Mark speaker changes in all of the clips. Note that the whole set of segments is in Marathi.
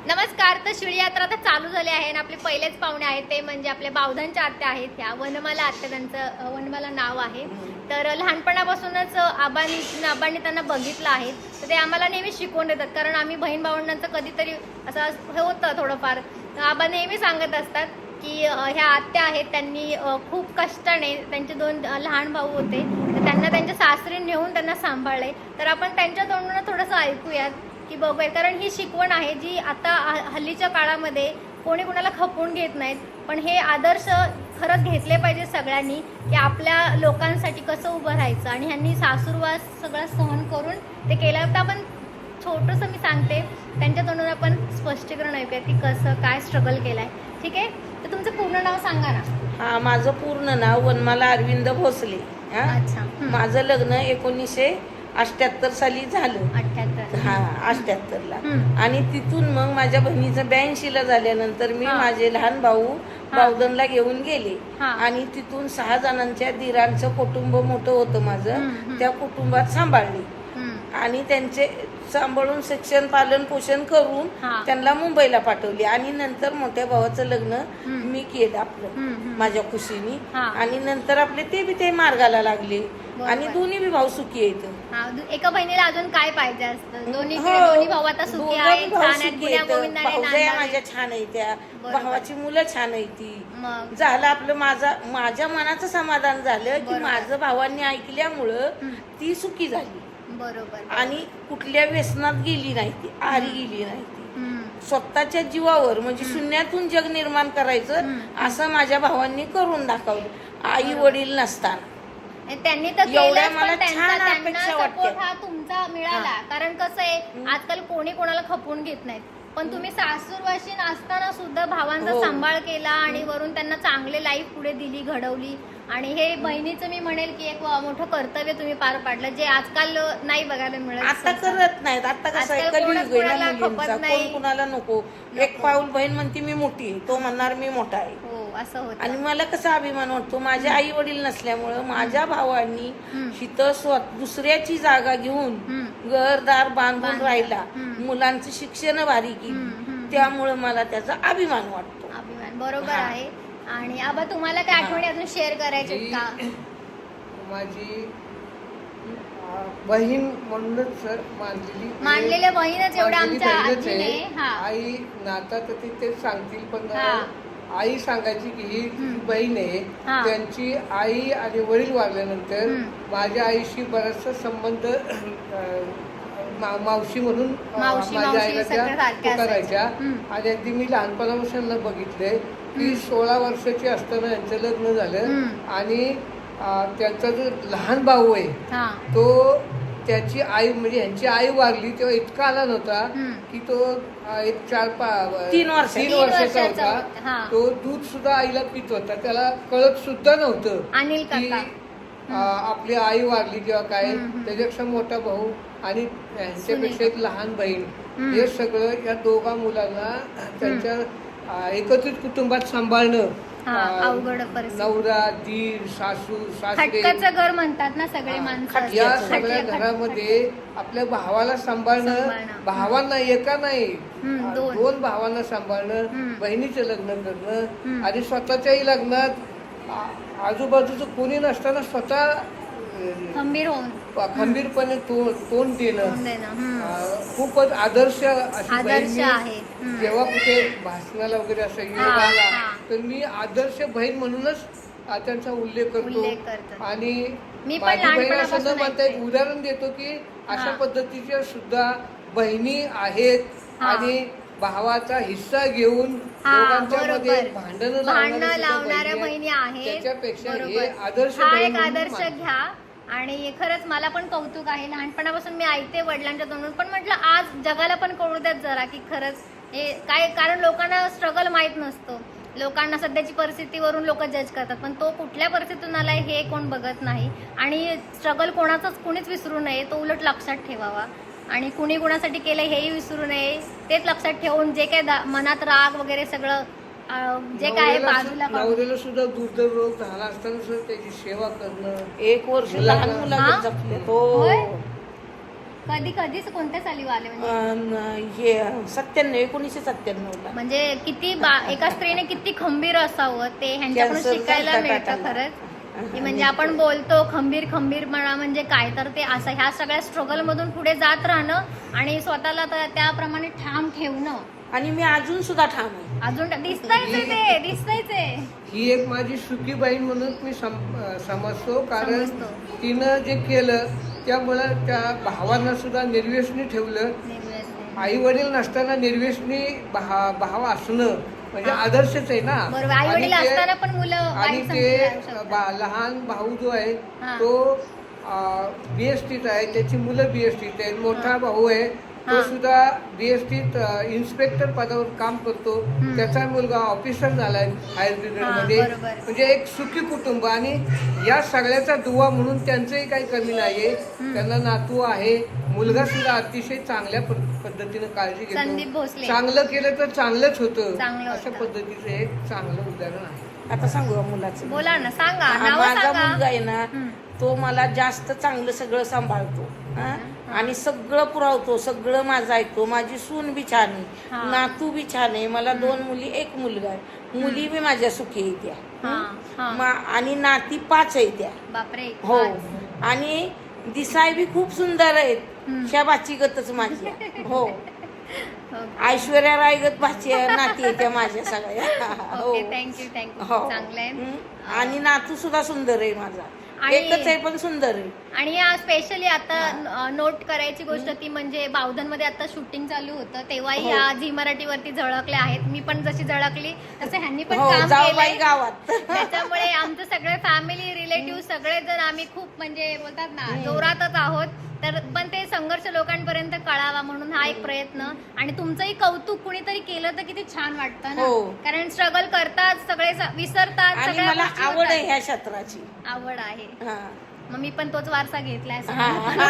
Speaker 1: नमस्कार. तर शिळी यात्रा तर चालू झाली आहे आणि आपले पहिलेच पाहुणे आहेत ते म्हणजे आपल्या बावधनच्या आत्या आहेत. ह्या वनमाला आत्या, त्यांचं वनमाला नाव आहे. तर लहानपणापासूनच आबांनी त्यांना बघितलं आहे. तर ते आम्हाला नेहमी शिकवून देतात, कारण आम्ही बहीण भावंडांचं कधीतरी असं हे होतं थोडंफार. आबा नेहमी सांगत असतात की ह्या आत्या आहेत, त्यांनी खूप कष्टाने, त्यांचे 2 लहान भाऊ होते, तर त्यांना त्यांच्या सासरी नेऊन त्यांना सांभाळले. तर आपण त्यांच्या तोंडून थोडंसं ऐकूयात की बघूया, कारण ही शिकवण आहे जी आता हल्लीच्या काळामध्ये कोणी कोणाला खपवून घेत नाहीत, पण हे आदर्श खरंच घेतले पाहिजे सगळ्यांनी की आपल्या लोकांसाठी कसं उभं राहायचं. आणि ह्यांनी सासूरवास सगळं सहन करून ते केलं. तर आपण छोटंसं मी सांगते, त्यांच्या तोंडून आपण स्पष्टीकरण ऐकूया की कसं काय स्ट्रगल केलंय. ठीक आहे, तर तुमचं पूर्ण नाव सांगा ना.
Speaker 2: हा, माझं पूर्ण नाव वनमाला अरविंद भोसले.
Speaker 1: अच्छा.
Speaker 2: माझं लग्न 1978 साली झालं.
Speaker 1: 78.
Speaker 2: हा, 78ला. आणि तिथून मग माझ्या बहिणीचं 82ला झाल्यानंतर मी माझे लहान भाऊ बावधनला घेऊन गेले. आणि तिथून 6 जणांच्या दिरांचं कुटुंब मोठं होतं माझं. त्या कुटुंबात सांभाळले आणि त्यांचे सांभाळून शिक्षण पालन पोषण करून त्यांना मुंबईला पाठवले. आणि नंतर मोठ्या भावाचं लग्न मी केलं आपलं माझ्या खुशीने. आणि नंतर आपले ते मार्गाला लागले आणि दोन्ही बी भाऊ सुखी आहेत.
Speaker 1: एका बहिणीला अजून काय पाहिजे असतं? दोन्ही भाऊ आता सुखी आहेत, छान आहेत, गुण्यागोविंदाने
Speaker 2: भाऊजाया
Speaker 1: नांदावे.
Speaker 2: माझ्या छान आहेत, त्या भावाची मुलं छान आहेत. ती
Speaker 1: मग
Speaker 2: झालं आपलं माझ्या मनाचं समाधान झालं की माझं भावांनी ऐकल्यामुळं ती सुखी झाली.
Speaker 1: बरोबर.
Speaker 2: आणि कुठल्या व्यसनात गेली नाही ती, आहारी गेली नाही ती. स्वतःच्या जीवावर म्हणजे शून्यातून जग निर्माण करायचं असं माझ्या भावांनी करून दाखवलं. आई वडील नसताना
Speaker 1: त्यांनी तर
Speaker 2: एवढ्या
Speaker 1: केलंच,
Speaker 2: मला
Speaker 1: पण त्यांचा
Speaker 2: छान
Speaker 1: त्यांना
Speaker 2: अपेक्षा वाटते.
Speaker 1: सपोर्ट हा तुमचा मिळाला. कारण कसं आहे, आजकाल कोणी कोणाला खपवून घेत नाहीत, पण तुम्ही सासूरवाशीन असताना सुद्धा भावांचा सांभाळ केला आणि वरून त्यांना चांगले लाईफ पुढे दिली, घडवली. आणि हे बहिणीचं मी म्हणेल की एक मोठं कर्तव्य तुम्ही पार पाडलं, जे आजकाल नाही बघायला मिळत.
Speaker 2: आता करत नाहीत. आता कसं आहे, कलियुग आहे ना मुलींचा, कोण कुणाला नको. एक पाऊल बहीण म्हणते मी मोठी आहे, तो म्हणणार मी मोठा आहे.
Speaker 1: हो, असं होतं.
Speaker 2: आणि मला कसा अभिमान वाटतो, माझे आई वडील नसल्यामुळं माझ्या भावांनी हिथं दुसऱ्याची जागा घेऊन घरदार बांधून राहिला, मुलांचं शिक्षण भारी केली, त्यामुळं मला त्याचा अभिमान वाटतो.
Speaker 1: अभिमान बरोबर आहे. आणि आबा, तुम्हाला काय आठवणी अजून शेअर करायचे का?
Speaker 3: माझी बहीण म्हणूनच सर
Speaker 1: मानलेल्या बहीणच एवढ्या आमच्या
Speaker 3: बहीणच
Speaker 1: आजीने.
Speaker 3: आहे. आई नाता तर ते सांगतील, पण आई सांगायची की ही बहीण आहे. त्यांची आई आणि वडील वारल्यानंतर माझ्या आईशी बराचसा संबंध मावशी म्हणून माझ्या आईला त्या पुकारायच्या. आणि अगदी मी लहानपणापासून बघितलंय की 16 वर्षाची असताना यांचं लग्न झालं. आणि त्यांचा जो लहान भाऊ आहे तो, त्याची आई म्हणजे यांची आई वारली तेव्हा इतका आला नव्हता की तो एक 3 वर्षाचा होता. तो दूध सुद्धा आईला पित होता, त्याला कळत सुद्धा नव्हतं की आपली आई वारली किंवा काय. त्याच्यापेक्षा मोठा भाऊ आणि यांच्यापेक्षा एक लहान बहीण, हे सगळं या दोघा मुलांना त्यांच्या एकत्रित कुटुंबात सांभाळणं, नवरा, दीर, सासू, सासरे,
Speaker 1: घर म्हणतात ना सगळे माणसं,
Speaker 3: या सगळ्या घरामध्ये आपल्या भावाला सांभाळणं, भावांना एका नाही 2 भावांना सांभाळणं, बहिणीचं लग्न करणं आणि स्वतःच्याही लग्नात आजूबाजूचं कोणी नसताना स्वतः खंबीरपणे तोंड देणं खूपच आदर्श अशी
Speaker 1: आहे.
Speaker 3: जेव्हा कुठे भाषणाला वगैरे असं आला तर मी आदर्श बहीण म्हणूनच त्यांचा उल्लेख करतो. आणि माझी बहीण असं न म्हणता एक उदाहरण देतो की अशा पद्धतीच्या सुद्धा बहिणी आहेत. आणि भावाचा हिस्सा घेऊन दोघांच्या मध्ये भांडण लावणाऱ्या बहिणी आहेत. त्याच्यापेक्षा हे आदर्श
Speaker 1: घ्या. आणि खरंच मला पण कौतुक आहे, लहानपणापासून मी ऐकते वडिलांच्या तोंडून, पण म्हटलं आज जगाला पण कळू द्यात जरा की खरंच हे काय. कारण लोकांना स्ट्रगल माहीत नसतो, लोकांना सध्याची परिस्थितीवरून लोक जज करतात, पण तो कुठल्या परिस्थितीतून आलाय हे कोण बघत नाही. आणि स्ट्रगल कुणीच विसरू नये, तो उलट लक्षात ठेवावा. आणि कुणी कुणासाठी केलं हेही विसरू नये, तेच लक्षात ठेवून जे काय मनात राग वगैरे सगळं जे काय बाजूला
Speaker 3: नवऱ्याला सुद्धा दुर्धरोग झाला असताना सुद्धा त्याची सेवा करणं.
Speaker 2: 1 वर्ष लहान मुलाला जपले तो.
Speaker 1: कधीच कोणत्या साली आले म्हणजे
Speaker 2: हे 1997
Speaker 1: म्हणजे किती एका स्त्रीने किती खंबीर असावं ते ह्यांच्याकडून
Speaker 2: Cancer
Speaker 1: शिकायला
Speaker 2: झालता
Speaker 1: मिळतं
Speaker 2: टाटाला.
Speaker 1: खरंच की म्हणजे आपण बोलतो खंबीर म्हणा म्हणजे काय तर ते असं ह्या सगळ्या स्ट्रगल मधून पुढे जात राहणं आणि स्वतःला त्याप्रमाणे ठाम ठेवणं.
Speaker 2: आणि मी अजून सुद्धा ठाम आहे.
Speaker 1: अजून दिसतायच आहे.
Speaker 3: ही एक माझी सुखी बहीण म्हणून मी समजतो, कारण
Speaker 1: समजतो.
Speaker 3: तिनं जे केलं त्यामुळं त्या भावांना सुद्धा निर्व्यसनी ठेवलं. आई वडील नसताना निर्व्यसनी भाव असणं म्हणजे आदर्शच आहे ना.
Speaker 1: बरोबर, आई वडील असताना पण मुलं
Speaker 3: आणि
Speaker 1: वाईट
Speaker 3: ते
Speaker 1: संगतीला जाऊ शकतात.
Speaker 3: लहान भाऊ जो आहे
Speaker 1: हा.
Speaker 3: तो बीएसटीत आहे, त्याची मुलं बीएसटीत आहेत. मोठा भाऊ आहे तो
Speaker 1: हा.
Speaker 3: सुद्धा बीएसटीत इन्स्पेक्टर पदावर काम करतो. त्याचा मुलगा ऑफिसर झालाय हायर ब्रिगेड मध्ये.
Speaker 1: बरोबर.
Speaker 3: म्हणजे एक सुखी कुटुंब आणि या सगळ्याचा दुवा म्हणून त्यांचंही काही कमी नाहीये. त्यांना नातू आहे, मुलगा सुद्धा अतिशय चांगल्या पद्धतीने काळजी
Speaker 1: संदीप
Speaker 3: घेतो.
Speaker 1: भोसले.
Speaker 3: चांगलं केलं तर चांगलंच होतं,
Speaker 1: चांगलं
Speaker 3: अशा
Speaker 1: होतं.
Speaker 3: पद्धतीचं एक चांगलं उदाहरण आहे.
Speaker 2: आता सांगू का मुलाचं?
Speaker 1: बोला ना, सांगा
Speaker 2: हा,
Speaker 1: नावं
Speaker 2: माझा
Speaker 1: सांगा.
Speaker 2: मुलगा आहे ना,
Speaker 1: हम्म.
Speaker 2: तो मला जास्त चांगलं सगळं सांभाळतो हा? आणि सगळं पुरवतो, सगळं माझं ऐकतो. माझी सून बी छान
Speaker 1: हा.
Speaker 2: आहे, नातू बी छान आहे. मला 2 मुली 1 मुलगा आहे. मुली बी माझ्या सुखी आहे त्या. आणि नाती 5 आहे त्या.
Speaker 1: बापरे.
Speaker 2: हो. आणि दिसाय बी खूप सुंदर आहेत. ह्या बाचीगतच माझ्या. हो. ऐश्वर्या रायगत भाची नाती आहे त्या माझ्या सगळ्या. हो.
Speaker 1: थँक्यू
Speaker 2: हो.
Speaker 1: चांगलंय.
Speaker 2: आणि नातू सुद्धा सुंदर आहे माझा.
Speaker 1: आणि-
Speaker 2: एकच आहे पण सुंदर आहे.
Speaker 1: आणि या स्पेशली आता नोट करायची गोष्ट ती म्हणजे बावधनमध्ये आता शूटिंग चालू होतं तेव्हाही
Speaker 2: हो.
Speaker 1: ह्या झी मराठीवरती झळकल्या आहेत. मी पण जशी झळकली तसं ह्यांनी पण
Speaker 2: हो,
Speaker 1: काम
Speaker 2: जाऊबाई
Speaker 1: केलंय.
Speaker 2: गावात.
Speaker 1: त्याच्यामुळे आमचं सगळे फॅमिली रिलेटिव्ह सगळेजण आम्ही खूप म्हणजे बोलतात ना जोरातच आहोत. तर पण ते संघर्ष लोकांपर्यंत कळावा म्हणून हा एक प्रयत्न. आणि तुमचंही कौतुक कुणीतरी केलं तर किती छान वाटतं ना.
Speaker 2: हो.
Speaker 1: कारण स्ट्रगल करतात सगळे विसरतात.
Speaker 2: आणि
Speaker 1: सगळ्या
Speaker 2: मला
Speaker 1: गोष्टी
Speaker 2: आवड
Speaker 1: होतात.
Speaker 2: आहे ह्या क्षेत्राची.
Speaker 1: आवड आहे.
Speaker 2: हा.
Speaker 1: मग मी पण तोच वारसा घेतलाय.
Speaker 2: हा.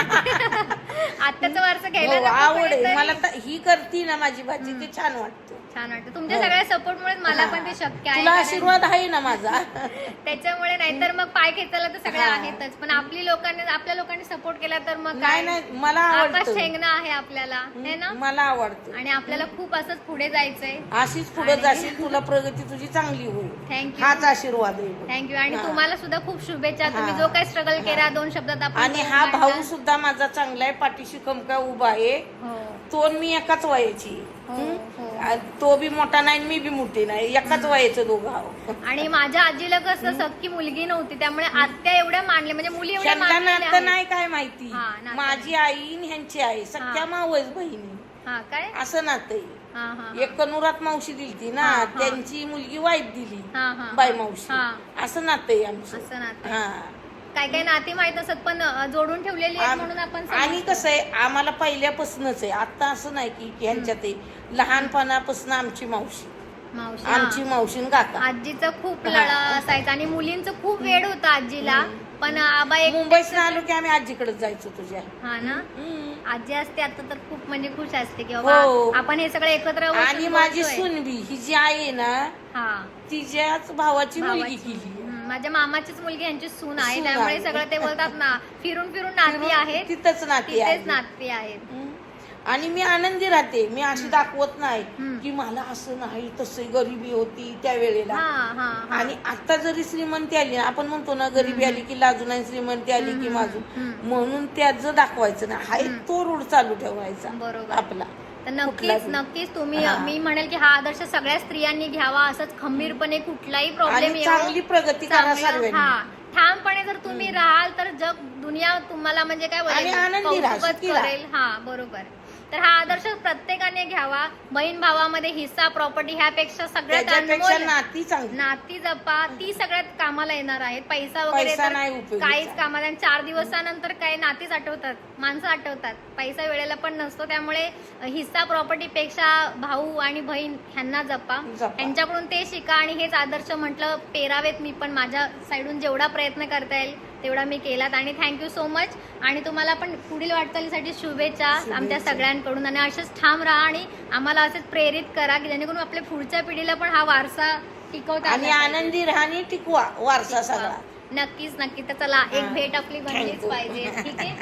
Speaker 1: आत्ताचा वारसा घ्यायला
Speaker 2: हो,
Speaker 1: नको
Speaker 2: आवड आहे
Speaker 1: कुणीतरी.
Speaker 2: मला. ही करती ना माझी भाजी, ते छान वाटतं.
Speaker 1: छान वाटतं तुमच्या
Speaker 2: हो.
Speaker 1: सगळ्या सपोर्टमुळे मला
Speaker 2: हा.
Speaker 1: पण ते शक्य आहे.
Speaker 2: तुला
Speaker 1: कारण
Speaker 2: आशीर्वाद आहे ना माझा.
Speaker 1: त्याच्यामुळे नाहीतर मग पाय खेचायला तर सगळ्या
Speaker 2: हा.
Speaker 1: आहेतच. पण आपल्या लोकांनी सपोर्ट केला तर मग
Speaker 2: नाही
Speaker 1: काय
Speaker 2: नाही, मला
Speaker 1: आकाश
Speaker 2: आवडतं.
Speaker 1: ठेंगणं आहे आपल्याला है ना.
Speaker 2: मला आवडतं.
Speaker 1: आणि आपल्याला खूप असंच पुढे जायचंय.
Speaker 2: अशीच पुढे जाशील, तुला प्रगती तुझी चांगली होईल.
Speaker 1: थँक्यू
Speaker 2: हाच आशीर्वाद आहे.
Speaker 1: थँक्यू. आणि
Speaker 2: हा.
Speaker 1: तुम्हाला सुद्धा खूप शुभेच्छा. तुम्ही
Speaker 2: हा.
Speaker 1: जो काही स्ट्रगल केला 2 शब्दात आपण
Speaker 2: आणि
Speaker 1: बोलून
Speaker 2: हा भाऊ
Speaker 1: मांडला.
Speaker 2: सुद्धा माझा चांगला आहे, पाठीशी खमका उभा आहे.
Speaker 1: हो
Speaker 2: तो आणि मी एकाच वयाची.
Speaker 1: हो, हो.
Speaker 2: तो बी मोठा नाही मी बी मोठी नाही, एकाच वयाचं दोघं आहोत.
Speaker 1: आणि माझ्या आजीला कसं सख्खी मुलगी नव्हती त्यामुळे आत्या एवढ्या मानल्या म्हणजे मुली एवढ्या
Speaker 2: त्यांना
Speaker 1: मानलेल्या
Speaker 2: नातं
Speaker 1: आहेत.
Speaker 2: नाही काय माहिती.
Speaker 1: हा, नातं
Speaker 2: माझी आई आणि ह्यांची आई सख्या
Speaker 1: हा.
Speaker 2: मावस बहिणी
Speaker 1: हा काय
Speaker 2: असं नातं आहे.
Speaker 1: हा हा
Speaker 2: एक कनुरात मावशी दिलती ना,
Speaker 1: हा, हा.
Speaker 2: त्यांची मुलगी वाईफ दिली
Speaker 1: हा हा
Speaker 2: बाई मावशी.
Speaker 1: हा.
Speaker 2: असं नातं आहे आमचं.
Speaker 1: असं नातं.
Speaker 2: हा.
Speaker 1: काय काय नाती माहित असत पण जोडून ठेवलेली आहेत म्हणून आपण
Speaker 2: आणि
Speaker 1: समजतो.
Speaker 2: कसं आहे आम्हाला पहिल्यापासूनच आहे, आता असं नाही की ह्यांच्यात आहे. लहानपणापासून आमची मावशी,
Speaker 1: मावशी
Speaker 2: आमची
Speaker 1: हा.
Speaker 2: मावशी आणि काका.
Speaker 1: आजीचा खूप लढा असायचा आणि मुलींचं खूप वेळ होता आजीला. पण आबा एक
Speaker 2: मुंबईत आलो की आम्ही आजीकडे जायचो तुझ्या.
Speaker 1: हा ना.
Speaker 2: हम्म.
Speaker 1: आजी असते आता तर खूप म्हणजे खुश असते की
Speaker 2: हो.
Speaker 1: बाबा आपण हे सगळं एकत्र बसून
Speaker 2: आणि माझी
Speaker 1: बोलतोय.
Speaker 2: सुनबी ही जी आहे ना,
Speaker 1: हा
Speaker 2: तिच्याच भावाची मुलगी
Speaker 1: भावाची.
Speaker 2: केली.
Speaker 1: माझ्या मामाचीच मुलगी यांची सून आहे
Speaker 2: सून
Speaker 1: त्यामुळे
Speaker 2: आहे.
Speaker 1: सगळं ते बोलतात ना फिरून फिरून नाती आहेत.
Speaker 2: तिथंच नाती आहे.
Speaker 1: तिथेच नाती आहेत.
Speaker 2: हम्म. आणि मी आनंदी राहते. मी अशी दाखवत नाही
Speaker 1: हम्म.
Speaker 2: की मला असं नाही तसं गरिबी होती त्या वेळेला.
Speaker 1: हा हा हा.
Speaker 2: आणि आता जरी श्रीमंती आली ना, आपण म्हणतो ना गरिबी आली की लाजून आणि श्रीमंती आली की माजून, म्हणून त्याचं दाखवायचं ना, हाय तो रूढ चालू ठेवायचा
Speaker 1: बरोबर.
Speaker 2: आपला.
Speaker 1: तर
Speaker 2: कुठला
Speaker 1: नक्कीच
Speaker 2: बी.
Speaker 1: नक्कीच तुम्ही
Speaker 2: हा.
Speaker 1: मी म्हणेल की हा आदर्श सगळ्या स्त्रियांनी घ्यावा. असंच खंबीरपणे कुठलाही प्रॉब्लेम
Speaker 2: आणि चांगली प्रगती करा सर्वांनी.
Speaker 1: हा ठामपणे जर तुम्ही राहाल तर जग दुनिया तुम्हाला म्हणजे काय
Speaker 2: आणि आनंदी
Speaker 1: बोलेल
Speaker 2: राहा,
Speaker 1: कौतुकच
Speaker 2: सुखी राहा.
Speaker 1: करेल. हा बरोबर. तर हा आदर्श प्रत्येकाने घ्यावा. बहीण भावामध्ये हिस्सा प्रॉपर्टी ह्यापेक्षा सगळ्यात
Speaker 2: त्याच्यापेक्षा
Speaker 1: अनमोल
Speaker 2: नाती चांगली.
Speaker 1: नाती जपा. ती सगळ्यात कामाला येणार आहेत. पैसा वगैरे
Speaker 2: पैसा
Speaker 1: तर
Speaker 2: नाही उपयोगीचा.
Speaker 1: काहीच कामाला. 4 दिवसानंतर काय नातीच आठवतात, माणसं आठवतात. पैसा वेळेला पण नसतो. त्यामुळे हिस्सा प्रॉपर्टी पेक्षा भाऊ आणि बहीण ह्यांना जपा. यांच्याकडून ते शिका आणि हेच आदर्श म्हटलं पेरावेत. मी पण माझ्या साईडून जेवढा प्रयत्न करता येईल तेवढा मी केलात. आणि थँक्यू सो मच. आणि तुम्हाला पण पुढील वाटचालीसाठी शुभेच्छा आमच्या सगळ्यांकडून. आणि असेच ठाम राहा आणि आम्हाला असेच प्रेरित करा की जेणेकरून आपल्या पुढच्या पिढीला पण हा वारसा टिकवता
Speaker 2: आणि
Speaker 1: आला पाहिजे.
Speaker 2: आनंदी राहणे टिकवा वारसा सगळा.
Speaker 1: नक्कीच नक्की. तर चला एक
Speaker 2: हा.
Speaker 1: भेट आपली बनलीच
Speaker 2: Thank you.
Speaker 1: पाहिजे. ठीक आहे.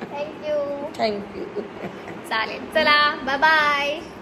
Speaker 1: थँक्यू.
Speaker 2: थँक्यू.
Speaker 1: चालेल, चला बाय बाय.